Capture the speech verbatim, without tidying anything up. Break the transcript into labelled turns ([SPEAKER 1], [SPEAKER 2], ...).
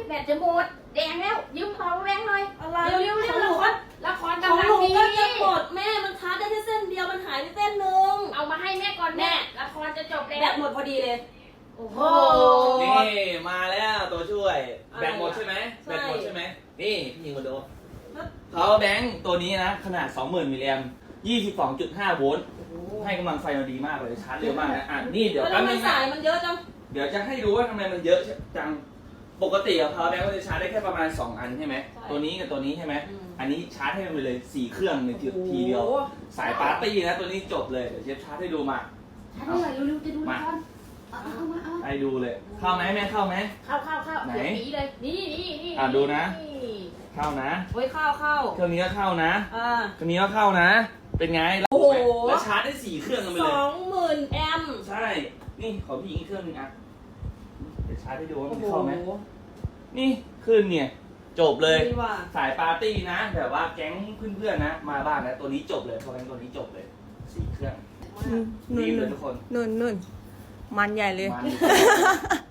[SPEAKER 1] แบตจะหมดแดงแล้วยืมพอแรงหน่อย
[SPEAKER 2] อะไร
[SPEAKER 1] เร็วเร็วเร็วละครละคร
[SPEAKER 2] ของ
[SPEAKER 1] กำลัง
[SPEAKER 2] หนู
[SPEAKER 1] ดี
[SPEAKER 2] ก็จะหมดแม่มันชาร์จได้แค่เส้นเดียวมันหายไปเส้นหนึ่ง
[SPEAKER 1] เอามาให้แม่ก่อนแม่ละครจะจบแล้ว
[SPEAKER 2] แบตหมดพอดีเลย
[SPEAKER 1] โอ้โห
[SPEAKER 3] นี่มาแล้วตัวช่วย
[SPEAKER 2] อะไร
[SPEAKER 3] แบตหมดใช่ไหม
[SPEAKER 2] ใช่
[SPEAKER 3] แบตหมดใช่ไหมนี่พี่ยิงมาดู power bank ตัวนี้นะขนาด สองหมื่น มิลลิแอมป์ ยี่สิบสองจุดห้า โวลต์ให้กำลังไฟมาดีมากเลยชาร์จเร็วมากนะอ่ะนี่เดี๋ยว
[SPEAKER 2] แล้ว
[SPEAKER 3] แป๊บ
[SPEAKER 2] ทำไม
[SPEAKER 3] นึง
[SPEAKER 2] สาย
[SPEAKER 3] นะ
[SPEAKER 2] มันเยอะจัง
[SPEAKER 3] เดี๋ยวจะให้ดูว่าทำไมมันเยอะจังปกติอะ power bank ก็จะชาร์จได้แค่ประมาณ สอง อันใช่ไหมตัวนี้กับตัวนี้ใช่ไหมอันนี้ชาร์จให้มันไปเลยสี่เครื่องในทีทีเดียวสายปาร์ตี้นะตัวนี้จบเลยเดี๋ยวเชฟชาร์จให้ดูมา
[SPEAKER 1] ชาร์จหน่อยเร็วๆจะดูละครเอาเอามาเอา
[SPEAKER 3] ให้ดูเลยเข้าไหมแม่เข้าไหม
[SPEAKER 1] เข้าเข้าเข้า
[SPEAKER 3] ไหน
[SPEAKER 1] เดี๋ยวหนีเลยนี่นี่นี่
[SPEAKER 3] อ่ะดูนะ เข้านะ
[SPEAKER 2] โอ้ยเข้าเข้า
[SPEAKER 3] เครื่องนี้ก็เข้านะ
[SPEAKER 2] อ่า
[SPEAKER 3] เครื่องนี้ก็เข้านะ เป็นไง
[SPEAKER 2] โอ้โห
[SPEAKER 3] แล้วชาร์จได้สี่เครื่องกันไป
[SPEAKER 2] ส
[SPEAKER 3] เลย
[SPEAKER 2] องหมื่นแอมป์
[SPEAKER 3] ใช่ นี่ขอพี่อีกเครื่องหนึงอ่ะ เดี๋ยวชาร์จให้ดูว่า
[SPEAKER 2] โอ้
[SPEAKER 3] มัน
[SPEAKER 2] โห
[SPEAKER 3] เข้าไหม นี่ขึ้นเนี่ย จบเลย
[SPEAKER 2] ดีว่ะ
[SPEAKER 3] สายปาร์ตี้นะ แบบว่าแก๊งเพื่อนๆนะ มาบ้านนะ ตัวนี้จบเลยเพราะงั้นตัวนี้จบเลยสี่เครื่อง
[SPEAKER 2] นุ่น
[SPEAKER 3] ดีเลยทุกคน
[SPEAKER 2] นุ่นนุ่นมันใหญ่เลย
[SPEAKER 3] มัน